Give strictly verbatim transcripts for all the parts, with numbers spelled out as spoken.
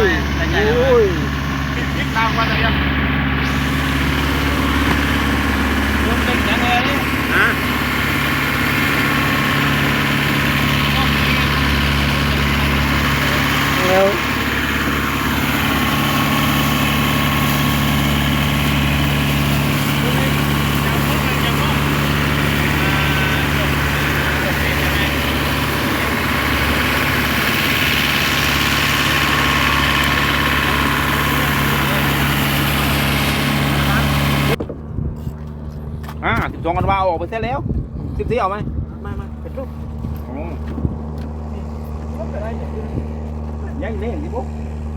โอ้ยพลิกตามมาเลยยังลงเล็กยังไงนี่ฮะแล้วอ่าสิบสองกันว่าออกไปเสร็จแล้วสิบสี่เอาไหมไม่ไม่เป็นรูปอ๋อยังเล่นสิปุ๊บ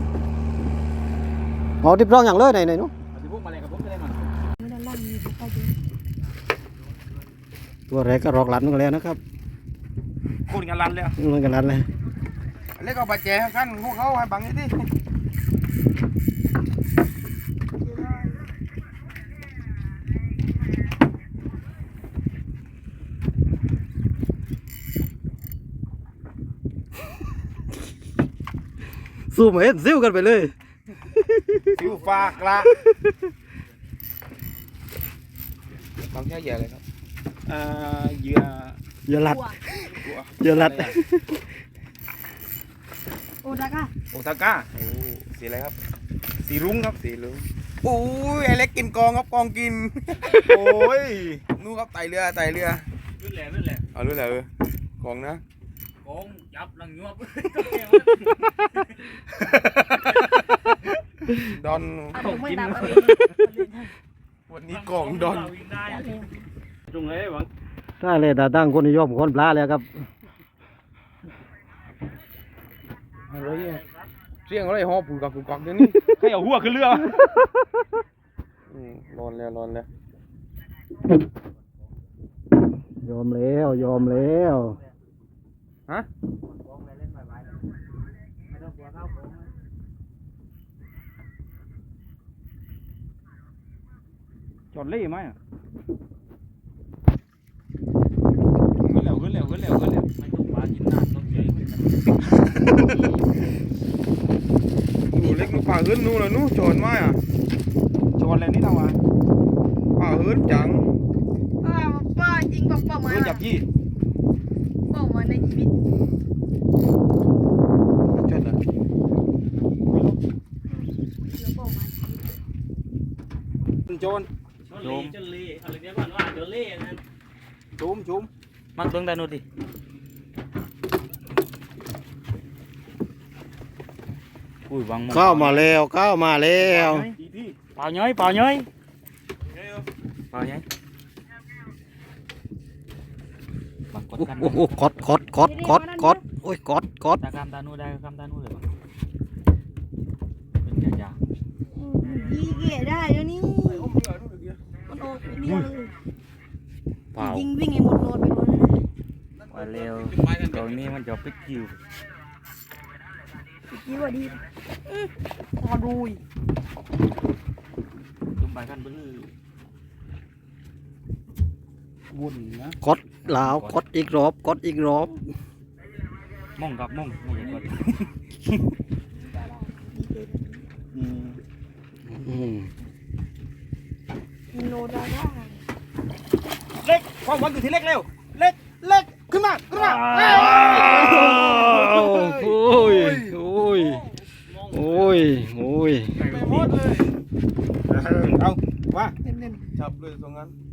เอาทิพย์ร้องอย่างเลยไหนไหนนู้นสิปุ๊บมาเลยกับปุ๊บได้มาตัวแรกก็รอกหลันกันแล้วนะครับคนกันรันเลยมันกันหลันเลยเล็กเอาไปแจกกันพวกเขาให้บังนี่ดิสู้เหมือนซิ้วกันไปเลยซิวฝากละบางแค่เหยื่อเลยครับอ่าเหยื่ออย่าหลัดอย่าหลัดโอตาก้าโอซาก้าโอ้สีอะไรครับสีรุ้งครับสีรุ้งโอ้ยไอเล็กกินกองครับกองกินโอ้ยนู่นครับไต่เรือไต่เรือรุ่นแหล่รุ่นแหล่เอารุ่นแหล่เออกองนะกองยับลังยวบดอนกินวันนี้กองดอนจุงเลยหวังถ้าเลยตาตั้งคนนิยมคนปลาแล้วครับอะไรเนี่ยเสียงอะไรหอบปูกักปูกักเดี๋ยวนี้ใครเอาหัวขึ้นเรือร้อนแล้วร้อนแล้วยอมแล้วยอมแล้วฮะจอดเล่ไหมอ่ะขึ้นแล้วขึ้นแล้วขึ้นแล้วขึ้นแล้วไม่ต้องปลากินน้ำต้องเฉยหนูเล็กหนูป่าขึ้นนู่นเลยนู่นจอดไหมอ่ะจอดแล้วนี่เราอ่ะป่าขึ้นจังป้าป้าจริงบอกป้ามาขึ้นจับยี่ป้ามาในชีวิตจอดนะแล้วป้ามาโจนจนจนเล่อะไรเนี้ยก่อนว่าจนเล่นั้นจุ้มจุ้มมันเบิ่งได้นู่นดิอุ้ยวังเข้ามาแล้วเข้ามาแล้วเปล่าย้อยเปล่าย้อยเปล่าย้อยบังกดกันโอ้โหกดกดกดกดกดโอ้ยกดกดตากามตานู่นได้กามตานู่นเลยเป็นยายี่เก๋ได้เดี๋ยวนี้มันออกเดียวเลยเปล่ายิงวิ่งไอ้หมดโดนไปหมดเลยว่าเร็วตรงนี้มันจะปิดคิวยี่ว่าดีพอดูยจุ่มไปกันเบื้อวุ่นนะกดลาวกดอีกรอบกดอีกรอบม่งกับม่งไม่ใช่กดอืมโนดาก้าเล็กความหวังอยู่ที่เล็กเร็วเล็กเล็กขึ้นมาขึ้นมาโอ้ยโอ้ยโอ้ยโอ้ยไปหมดเลยเอาว่าเน้นจับเลยตรงนั้นๆ